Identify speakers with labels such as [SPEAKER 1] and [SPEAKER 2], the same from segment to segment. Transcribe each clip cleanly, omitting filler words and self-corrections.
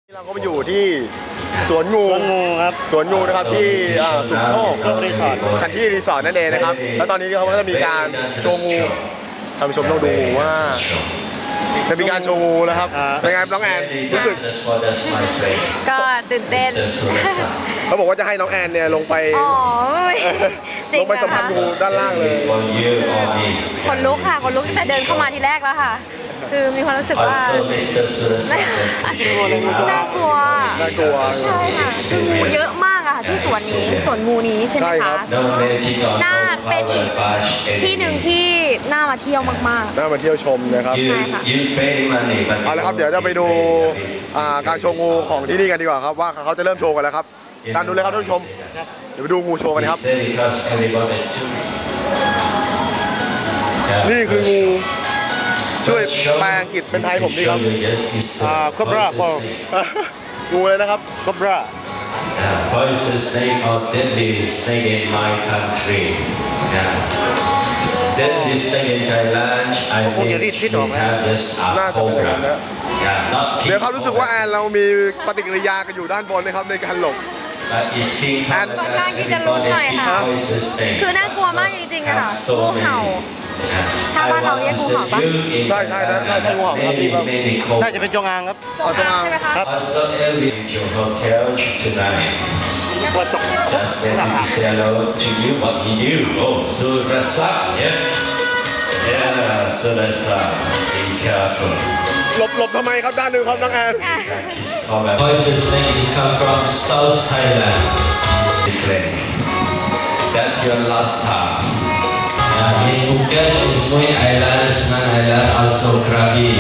[SPEAKER 1] เราก็มาอยู่ที่สวนงู
[SPEAKER 2] ครับ
[SPEAKER 1] สวนงูนะครับที่สุขโชค
[SPEAKER 2] รีสอร์ท
[SPEAKER 1] คันที่รีสอร์ทนั่นเองนะครับแล้วตอนนี้เขาก็จะมีการโชว์งูท่านผู้ชมต้องดูว่าจะมีการโชว์งูแล้วครับเป็นไงน้องแอนรู้สึก
[SPEAKER 3] ก็ตื่นเต้น
[SPEAKER 1] เขาบอกว่าจะให้น้องแอนเนี่ยลงไป
[SPEAKER 3] อ๋อจริ
[SPEAKER 1] ล
[SPEAKER 3] ง
[SPEAKER 1] งไป
[SPEAKER 3] เหร
[SPEAKER 1] สั
[SPEAKER 3] อ
[SPEAKER 1] มผัส
[SPEAKER 3] คะ
[SPEAKER 1] งูด้านล่างเลย
[SPEAKER 3] คนลุกค่ะคนลุกตั้งแต่เดินเข้ามาทีแรกแล้วค่ะ คือมีความรู้สึกว่าน่ากลัว
[SPEAKER 1] น่ากลัว
[SPEAKER 3] ใช่ค่ะคืองูเยอะมากอะค่ะที่สวนนี้สวนงูนี้ใช่ไหม
[SPEAKER 1] ใช่ครั
[SPEAKER 3] คะ
[SPEAKER 1] บ
[SPEAKER 3] น่าเป็นอีกที่หนึ่งที่น่ามาเที่ยวมาก
[SPEAKER 1] น่ามาเที่ยวชมนะครับ
[SPEAKER 3] ใช่ค่ะ
[SPEAKER 1] เอาละครับเดี๋ยวจะไปดูการโชว์งูของที่นี่กันดีกว่าครับว่าเขาจะเริ่มโชว์กันแล้วครับตามดูเลยครับท่านผู้ชมเดี๋ยวไปดูงูโชว์กันครับนี่คืองูช่วยแปลอังกฤษเป็นไทยผมดีครับ
[SPEAKER 2] ครบราบอ
[SPEAKER 1] งูเลยนะครับ
[SPEAKER 2] ครบรา
[SPEAKER 4] Poisonous snake or deadly snake in my country. Yeah. Deadly snake in Thailand. I think we have just
[SPEAKER 1] น่า
[SPEAKER 4] a
[SPEAKER 1] จะเป็นอย่างนั้น
[SPEAKER 4] cobra.
[SPEAKER 1] นะ
[SPEAKER 4] Yeah, not
[SPEAKER 1] เดี๋ยว
[SPEAKER 4] king
[SPEAKER 1] เขารู้สึกว่าแอ
[SPEAKER 4] cobra.
[SPEAKER 1] นเรามีปฏิกิริยากันอยู่ด้านบนนะครับในการหลบ
[SPEAKER 4] But it's king
[SPEAKER 1] And-
[SPEAKER 4] cobra.
[SPEAKER 3] ค่อนข้างที่จะรู้หน่อยค่ะ
[SPEAKER 4] Poisonous snake.
[SPEAKER 3] ๆ คือน่ากลัวมากจริงๆอะค่ะงูเห่า ถ้าบ้านเราเรียกงูเห่าปะ
[SPEAKER 1] ใช่ใช่นะใช่งูเห่าครับพี่ครับ
[SPEAKER 2] น่าจะเป็นจงอางครับ
[SPEAKER 3] จงอางใช่ไหมคะ
[SPEAKER 4] Also, every your hotel tonight.
[SPEAKER 2] ว่าตก
[SPEAKER 4] Just let me say hello to you. What you do? Oh, so that's up. Yeah. Yeah. So that's up. Be careful.
[SPEAKER 1] หลบทำไมครับด้านหนึ่งครับน้องแอน
[SPEAKER 4] Poisonous snake is come from South Thailand. Different. That your last time. In Phuket, Ismui Island, Sunan Island, also Krabi.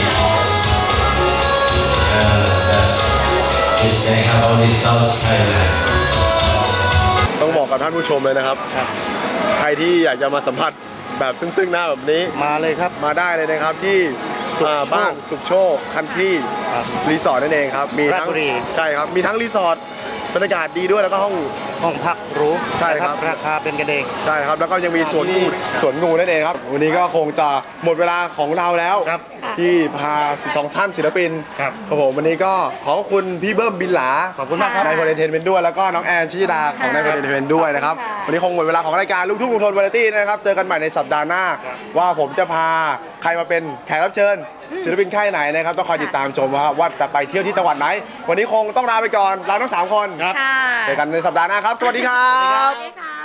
[SPEAKER 4] That's this thing have only South Thailand.
[SPEAKER 1] ต้องบอกกับท่านผู้ชมเลยนะครับ
[SPEAKER 2] ครับ
[SPEAKER 1] ใครที่อยากจะมาสัมผัสแบบซึ่งหน้าแบบนี้
[SPEAKER 2] มาเลยครับ
[SPEAKER 1] มาได้เลยนะครับที่บ้านสุขโชคคันที่
[SPEAKER 2] ครับ
[SPEAKER 1] รีสอร์ทนั่นเองครับมีทั้ง
[SPEAKER 2] ราชบุรี
[SPEAKER 1] ใช่ครับมีทั้งรีสอร์ทบรรยากาศดีด้วยแล้วก็ห้อง
[SPEAKER 2] ห้องพักหรู
[SPEAKER 1] ใช่ครับ
[SPEAKER 2] นะราคาเป็นกันเอง
[SPEAKER 1] ใช่ครับแล้วก็ยังมีสวนงูนั่นเองครับวันนี้ก็คงจะหมดเวลาของเราแล้ว
[SPEAKER 2] ครับ
[SPEAKER 1] ที่พา12ท่านศิลปิน
[SPEAKER 2] ครับ
[SPEAKER 1] ผมวันนี้ก็ขอบคุณพี่เบิ้มบินหลา
[SPEAKER 2] ขอบคุณมากครับ
[SPEAKER 1] นายพลเอนเทนเมนต์ด้วยแล้วก็น้องแอนชิดาของนายพลเอนเทนเมนต์ด้วยนะครับ
[SPEAKER 3] ค่ะ
[SPEAKER 1] วันนี้คงหมดเวลาของรายการลูกทุ่งลุงทนวาไรตี้นะครับเจอกันใหม่ในสัปดาห์หน้า ว่าผมจะพาใครมาเป็นแขกรับเชิญศิลปินค่ายไหนนะครับต้องคอยติดตามชมว่าจะไปเที่ยวที่จังหวัดไหน วันนี้คงต้องลาไปก่อนเราทั้ง3คน
[SPEAKER 2] ครับ
[SPEAKER 3] ค่ะ
[SPEAKER 1] เจอกันในสัปดาห์หน้าครับ สวัสดีครับ
[SPEAKER 3] สวัสดีค่ะ